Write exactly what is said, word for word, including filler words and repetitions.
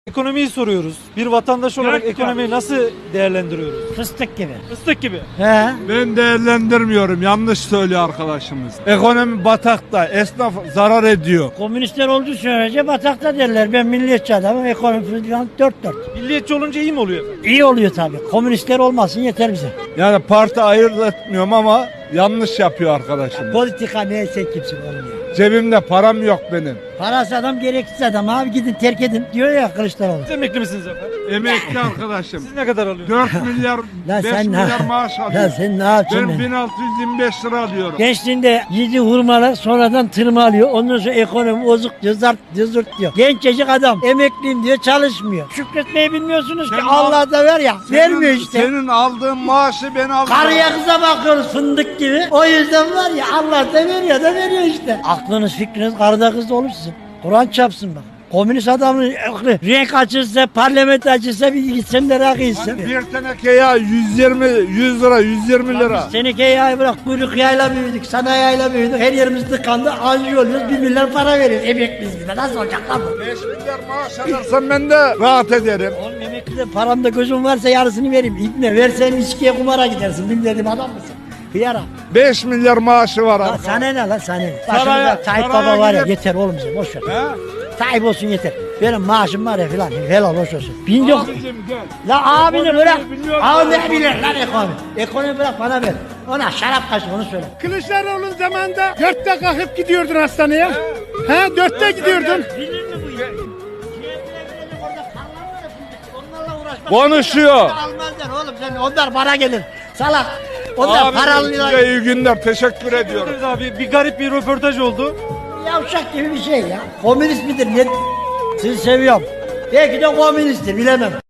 Ekonomiyi soruyoruz. Bir vatandaş olarak Gerçekten. ekonomiyi nasıl değerlendiriyoruz? Fıstık gibi. Fıstık gibi. He. Ben değerlendirmiyorum. Yanlış söylüyor arkadaşımız. Ekonomi batakta. Esnaf zarar ediyor. Komünistler olduğu sürece batakta derler. Ben milliyetçi adamım. Ekonomi falan dört dört. Milliyetçi olunca iyi mi oluyor? İyi oluyor tabii. Komünistler olmasın yeter bize. Yani parti ayırt etmiyorum ama yanlış yapıyor arkadaşımız. Politika neyse kimse olmuyor. Cebimde param yok benim. Parası adam gereksiz adam. Abi gidin terk edin diyor ya Kılıçdaroğlu. Siz emekli misiniz efendim? Emekli arkadaşım. Siz ne kadar alıyorsunuz? dört milyar, Lan beş sen ne- milyar maaş Lan alıyorum. sen ne yapacaksın? Ben Ben bin altı yüz yirmi beş lira alıyorum. Gençliğinde yedi hurmalar sonradan tırmalıyor. Ondan sonra ekonomi bozuk diyor, zart diyor, zırt diyor. Gencecik adam emekliyim diyor çalışmıyor. Şükretmeyi bilmiyorsunuz ki Senin Allah da ver ya. vermiyor işte. Senin aldığın maaşı ben alıyorum. Karıya kıza bakıyoruz fındık gibi. O yüzden var ya Allah da veriyor da veriyor işte. Aklınız fikriniz karıda kızda olur sizin. Kur'an çapsın bak. Komünist adamın aklı renk açılsa, parlamento açılsa bir gitsem de rakı içsem. Bir teneke ya yüz yirmi, yüz lira, yüz yirmi lira. Seneke yay bırak, kuyruk yayla büyüdük, sanayi yayla büyüdük, her yerimiz tıkandı, anji oluyoruz, bir milyar para veriyoruz, emekliyiz biz de, nasıl olacak lan bu? beş milyar maaş alırsam ben de rahat ederim. Oğlum emeklide paramda gözüm varsa yarısını vereyim, İbne versen içkiye kumara gidersin, bilmediğim adam mısın? Hıyara. beş milyar maaşı var Lan abi. sana ne lan sana ne? Saraya- Başımızda Tayyip saraya Baba var ya gidip- yeter oğlum bize boş ver. He? Tayyip olsun yeter. Benim maaşım var ya filan helal hoş olsun. Bin yok. Abicim gel. La abini Ekonomiyi bırak. biliyorum. Abi ne bilir lan ekonomi. Ekonomi bırak bana ver. Ona şarap kaçır onu söyle. Kılıçdaroğlu'nun zamanında dörtte kalkıp gidiyordun hastaneye. He dörtte gidiyordun. Bilir mi bu ya? Orada karlar var ya fındık. Onlarla uğraşmak. Konuşuyor. Almazlar oğlum sen onlar para gelir. Salak. Onlar Abi paralı. size iyi günler. Teşekkür ediyorum. Ederiz abi. Bir garip bir röportaj oldu. Yavşak gibi bir şey ya. Komünist midir? Ne? Sizi seviyorum. Belki de komünisttir bilemem.